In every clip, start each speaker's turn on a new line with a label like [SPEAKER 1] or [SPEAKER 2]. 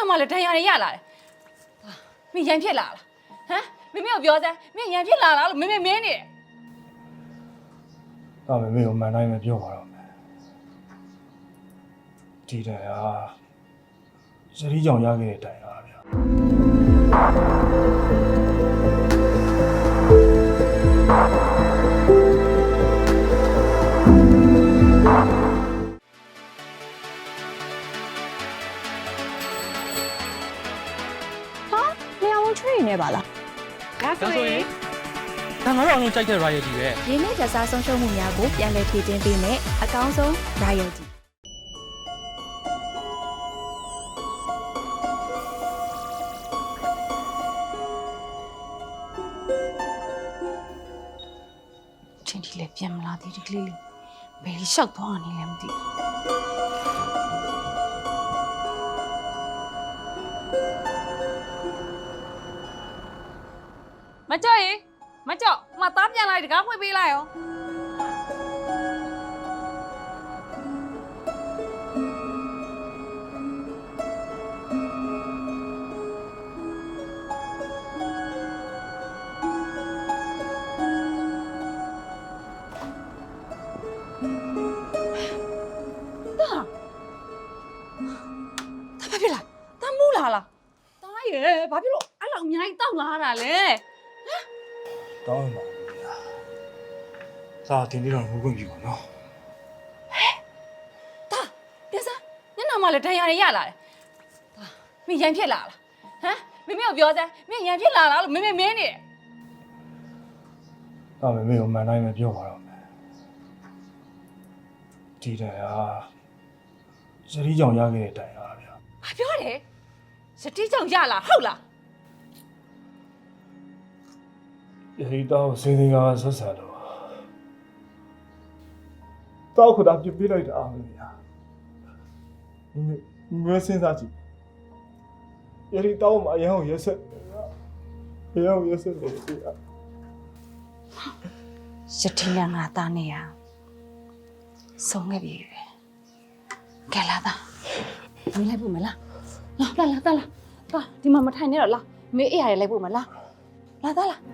[SPEAKER 1] နောက်မှလည်းဒဏ်ရာတွေရလာတယ်မင်းရန်ဖြစ်လာလားဟမ်မမေကိုပြောစမ်းမင်းရန်ဖြစ်လာလားလို့မမေမင်းနေတယ်
[SPEAKER 2] ဒါပေမဲ့မန်တိုင်းပဲပြောပါတော့မယ်ဒီတိုင်ဟာစရီးကြောင်ရခဲ့တဲ့တိုင်ဟာဗျာ
[SPEAKER 3] နေပါလား
[SPEAKER 4] ဒါဆိုရင်ဒါငါတို့အောင်လုံးကြိုက်တဲ့ royalty ပဲ
[SPEAKER 3] ရင်းနှီးကြစားဆုံးရှုံးမှုများကိုပြန်လည်ဖြည့်တင်းပေးမယ်အကောင်းဆုံး royalty
[SPEAKER 1] ချင်းတီလည်းပြန်မလာသေးဒီကလေးလေးဘယ်လျှောက်သွားနေလဲမသိမကြောက်ရေမကြောက်မသားပြန်လိုက်တကားဖွင့်ပေးလိုက်ရောဘာဖြစ်လာတမ်းမူးလာလားတားရေဘာဖြစ်လို့အဲ့လောက်အများကြီးတောက်လာတာလဲ
[SPEAKER 2] တောင်းပါဗျာစာတင်ပြီးတော့ငိုခွင့်ပြုပါနော်
[SPEAKER 1] တာပြစမ်းညနာမှလည်းဒဏ်ရာတွေရလာတယ်တာမင်းရန်ဖြစ်လာလားဟမ်မမေကိုပြောစမ်းမင်းရန်ဖြစ်လာလားလို့မမေမင်းနေတယ်
[SPEAKER 2] ဒါပေမဲ့မန်တိုင်းပဲပြောပါတော့မယ်ဒီတိုင်ဟာစရီးကြောင်ရခဲ့တဲ့တိုင်ဟာဗျာ
[SPEAKER 1] ဘာပြောတယ်စတိကြောင့်ရလာဟုတ်လား
[SPEAKER 2] ဒီတော့စင်းစင်းကဆက်ဆံတော့တောက်ခတာပြပြလိုက်တာပဲဗျာငွေစင်းစားကြည့်ဒီတော့မအရင်ရက်ဆက်ရက်ဆက်လို့ပြရ
[SPEAKER 1] စတိလငါသားနေရဆုံးခဲ့ပြီပဲကဲလာသားမင်းလိုက်ဖို့မလားလာဒီမှာမထိုင်နဲ့တော့လာမေးအေးရတယ်လိုက်ဖို့မလားလာသားလာ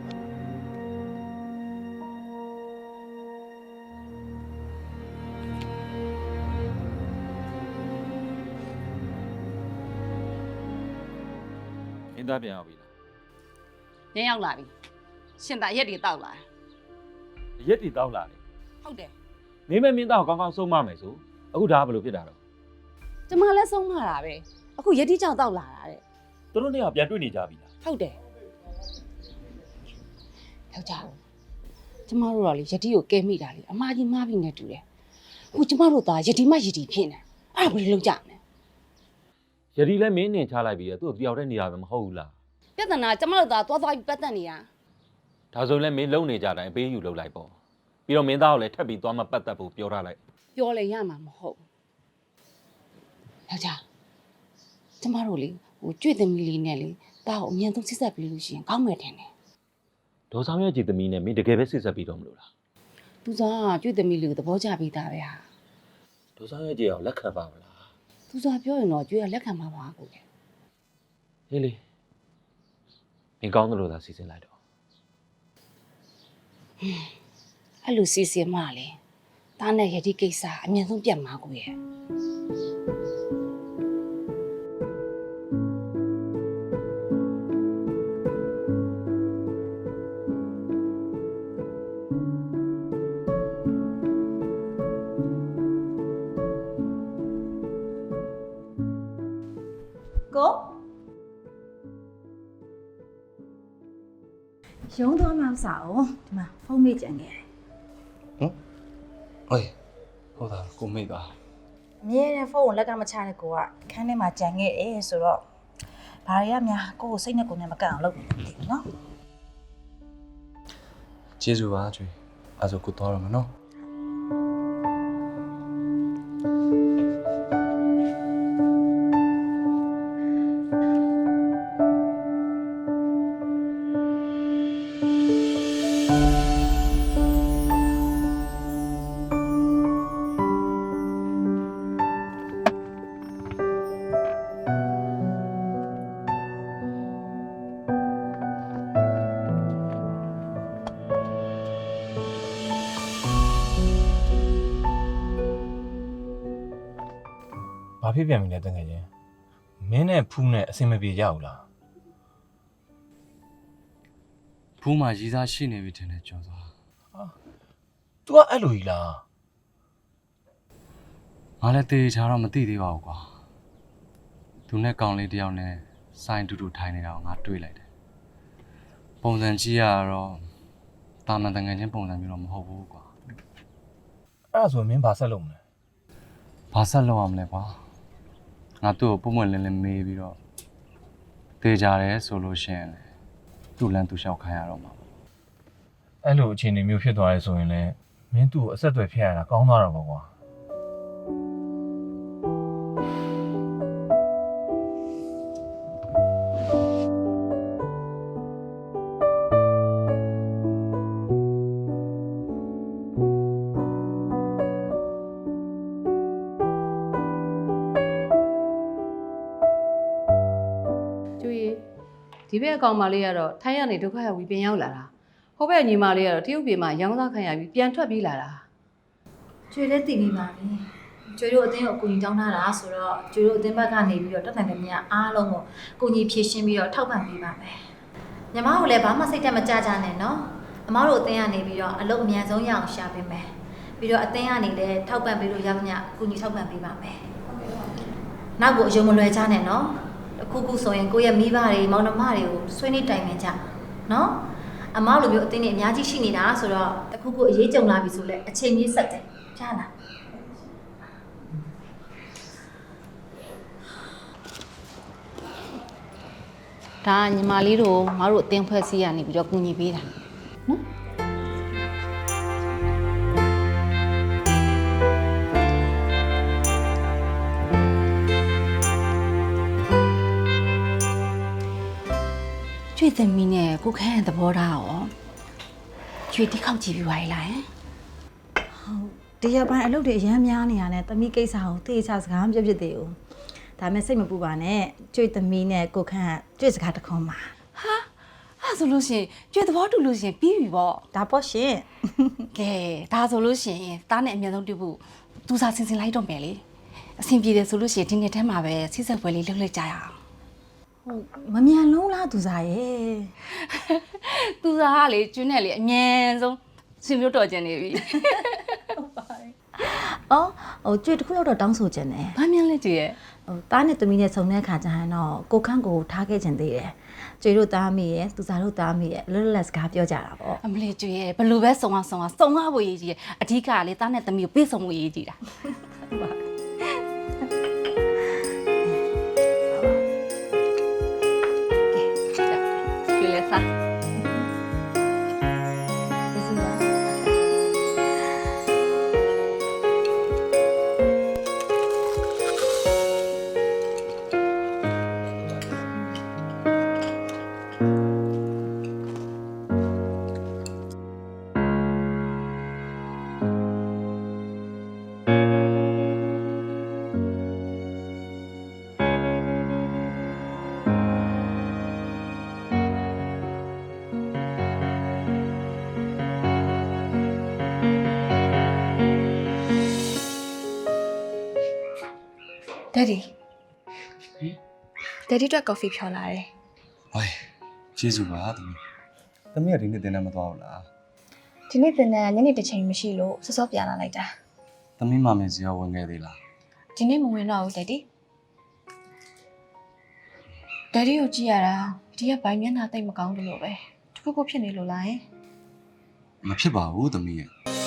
[SPEAKER 4] အင်းသားပြန်ရောက်ပြီလား
[SPEAKER 1] ညရောက်လာပြီရှင်သာရက်တွေတောက်လာ
[SPEAKER 4] ရက်တီတောက်လာတယ်
[SPEAKER 1] ဟုတ်တယ်
[SPEAKER 4] မင်းမင်းသားကိုကောင်းကောင်းဆုံးမမယ်ဆိုအခုဒါကဘယ်လိုဖြစ်တာတော့
[SPEAKER 1] ကျမလည်းဆုံးမတာပဲအခုရက်တီကြောင့်တောက်လာတာတဲ့
[SPEAKER 4] သူတို့နှစ်ယောက်ပြန်တွေ့နေကြပြီလား
[SPEAKER 1] ဟုတ်တယ်ယောက်ျားကျမတို့တော့လေရက်တီကိုကဲမိတာလေအမကြီးမားပြီနဲ့တူတယ်အခုကျမတို့သားရက်တီမှရက်တီဖြစ်နေအဲ့ဒါဘယ်လိုလုပ်ကြမလဲ
[SPEAKER 4] ရက်တီလည်းမင်းနဲ့ချလိုက်ပြီလေသူ့ကိုတယောက်တည်းနေရပဲမဟုတ်ဘူးလား
[SPEAKER 1] ပြဿနာကျမတို့သားသွားပြီးပတ်သက်နေတာ
[SPEAKER 4] ဒါဆိုလည်းမင်းလုံနေကြတိုင်းအပေးယူလုပ်လိုက်ပေါ့ပြီးတော့မင်းသားကိုလည်းထပ်ပြီးသွားမပတ်သက်ဖို့ပြောထားလိုက်
[SPEAKER 1] ပြောလေရမှာမဟုတ်ယောက်ျားကျမတို့လေကြွေသမီးလေးနဲ့လေတာကိုအမြန်ဆုံးစစ်ဆက်ပြီးလို့ရှိရင်ကောင်းမယ်ထင်တယ်
[SPEAKER 4] ဒေါ်ဆောင်ရဲ့ကြည်သမီးနဲ့မင်းတကယ်ပဲစစ်ဆက်ပြီးတော့မလို့လား
[SPEAKER 1] သူစားကြွေသမီးလေးကိုသဘောကျပြီးသားပဲဟာ
[SPEAKER 4] ဒေါ်ဆောင်ရဲ့ကြည်အောင်လက်ခံပါမလား
[SPEAKER 1] သူစားပြောရင်တော့ကြွေကလက်ခံမှာပါကိုလေ
[SPEAKER 4] ဟေးလေမင်းကောင်းတယ်လို့သာစီစဉ်လိုက်တော့
[SPEAKER 1] အဲ့လိုစီစဉ်မှလေတားနဲ့ရတိကိစ္စအမြန်ဆုံးပြတ်မှာကိုရဲ့
[SPEAKER 3] ကိုရုံးသွားမှမစားအောင်ဒီမှာဖုန်းမေးကြံခဲ့တယ်
[SPEAKER 2] ဟမ်ဟေးဟုတ်တာကိုမိတ်ပါ
[SPEAKER 3] အမြဲတမ်းဖုန်းကိုလက်ကမချတဲ့ကိုကခန်းထဲမှာကြံခဲ့တယ်ဆိုတော့ဘာတွေကများကိုကိုစိတ်နဲ့ကိုယ်နဲ့မကန့်အောင်လုပ်နေတယ်နော်
[SPEAKER 2] ကျေးဇူးပါကျွေးအဲ့ဆိုကိုသွားရမယ်နော်
[SPEAKER 3] က
[SPEAKER 2] ဖြစ်ပြန်ပြီလဲတကယ်ချင်းမင်းနဲ့ဖူးနဲ့အဆင်မပြေကြဘူးလား
[SPEAKER 5] ဖူးမှာရည်စားရှိနေပြီထင်တယ်ကျော်သွား
[SPEAKER 2] तू ကအဲ့လိုကြီးလား
[SPEAKER 5] ငါလည်းတေချာတော့မသိသေးပါဘူးကွာသူနဲ့ကောင်လေးတယောက်နဲ့ဆိုင်တူတူထိုင်နေတာကိုငါတွေ့လိုက်တယ်ပုံစံကြည့်ရတော့တာမန်တငယ်ချင်းပုံစံမျိုးတော့မဟုတ်ဘူးကွာ
[SPEAKER 2] အဲ့ဒါဆိုမင်းဘာဆက်လုပ်မလဲ
[SPEAKER 5] ဘာဆက်လုပ်အောင်မလဲကွာငါသူ့ကိုပုံမှန်လင်းလင်းမေးပြီးတော့တေချာတယ်ဆိုလို့ရှိရင်လေသူ့လမ်းသူလျှောက်ခိုင်းရတော့မှာ
[SPEAKER 2] အဲ့လိုအခြေအနေမျိုးဖြစ်သွားရဲဆိုရင်လည်းမင်းသူ့ကိုအဆက်အသွယ်ဖြစ်ရတာကောင်းသွားတော့ပေါ့ကွာ
[SPEAKER 6] ကျွေးဒီဘက်အကောင်မလေးကတော့ထိုင်းရနေဒုက္ခရောက်ပြီးပြန်ရောက်လာတာဟိုဘက်ညီမလေးကတော့တရုတ်ပြည်မှာရောင်းစားခံရပြီးပြန်ထွက်ပြေးလာတာ
[SPEAKER 3] ကျွေလည်းတည်ပြီးပါပြီကျွေတို့အတင်းကိုအကူအညီတောင်းထားတာဆိုတော့ကျွေတို့အတင်းဘက်ကနေပြီးတော့တက်နိုင်တဲ့မြတ်အားလုံးကိုအကူအညီဖြည့်ရှင်းပြီးတော့ထောက်ပံ့ပေးပါမယ်ညီမတို့လည်းဘာမှစိတ်တက်မကြကြနဲ့နော်အမားတို့အတင်းကနေပြီးတော့အလုပ်အမြန်ဆုံးရအောင်ရှာပေးမယ်ပြီးတော့အတင်းကနေလည်းထောက်ပံ့ပေးလို့ရမညအကူအညီထောက်ပံ့ပေးပါမယ်နောက်ကိုအယုံမလွယ်ကြနဲ့နော်အခုခုဆိုရင်ကိုယ့်ရဲ့မိဘတွေမောင်နှမတွေကိုဆွေးနွေးတိုင်ပင်ကြနော်အမားလိုမျိုးအတင်းတွေအများကြီးရှိနေတာဆိုတော့တခုခုအရေးကြုံလာပြီဆိုလဲအချိန်ကြီးဆက်တယ်ကြားလား
[SPEAKER 1] ဒါညီမလေးတို့ငါတို့အတင်းဖွဲ့စည်းရနေပြီးတော့ကူညီပေးတာနော်ကျွေးသမီးနဲ့ကိုခန့်သဘောထားရောကျွေးတိခောက်ကြည့်ပြီးပါလား
[SPEAKER 3] ဒီရက်ပိုင်းအလုပ်တွေအများများနေရတယ်တမီးကိစ္စကိုတေးချစကားမပြဖြစ်သေးဘူးဒါမဲ့စိတ်မပူပါနဲ့ကျွေးသမီးနဲ့ကိုခန့်ကျွေးစကားတခွန်းပါ
[SPEAKER 1] ဟာအဲ့ဆိုလို့ရှိရင်ကျွေးသဘောတူလို့ရှိရင်ပြီးပြီပေါ့
[SPEAKER 3] ဒါပေါ့ရှင်
[SPEAKER 1] ကဲဒါဆိုလို့ရှိရင်သားနဲ့အမြန်ဆုံးတွေ့ဖို့သူစားစင်စင်လိုက်တော့မယ်လေအဆင်ပြေတယ်ဆိုလို့ရှိရင်ဒီနေ့ထဲမှာပဲဆိတ်ဆက်ပွဲလေးလုပ်လိုက်ကြရအောင်
[SPEAKER 3] ဟုတ်မမြန်လုံးလားသူစားရဲ့
[SPEAKER 1] သူစားကလေကျွန်းနဲ့လေအမြန်ဆုံးဆွေမျိုးတော်ကျင်နေပြီ
[SPEAKER 3] အော်ဟိုကျွေးတစ်ခုတော့တောင်းဆိုခြင်းတယ်
[SPEAKER 1] ဘာမြန်လဲကျွေးရဲ့
[SPEAKER 3] ဟိုတားနဲ့သမီးနဲ့ဆုံတဲ့အခါကျရင်တော့ကိုခန့်ကိုထားခဲ့ခြင်းသေးတယ်ကျွေးတို့တားမိရဲ့သူစားတို့တားမိရဲ့လွတ်လပ်စကားပြောကြတာပေါ့
[SPEAKER 1] အမလေးကျွေးရဲ့ဘလို့ပဲစုံအောင်ဖို့ရေးကြီးရဲ့အဓိကကလေသားနဲ့သမီးကိုပြေဆုံးဖို့ရေးကြီးတာကဲကျွေးလဲစား
[SPEAKER 7] Daddy အတွက် coffee ဖြော်လာတယ်
[SPEAKER 5] ဟိုင်ကျေးဇူးပါသမီးကဒီနေ့တင်နေမသွားဘူးလား
[SPEAKER 7] ဒီနေ့တင်တဲ့ညနေတစ်ချိန်မရှိလို့စောစောပြန်လာလိုက်တာ
[SPEAKER 5] သမီးမမေစီရောဝင်ခဲ့သေးလား
[SPEAKER 7] ဒီနေ့မဝင်တော့ဘူး Daddy ကိုကြည့်ရတာဒီကဘိုင်မျက်နှာတိတ်မကောင်းဘူးလို့ပဲတခုခုဖြစ်နေလို့လား
[SPEAKER 5] မဖြစ်ပါဘူးသမီးရဲ့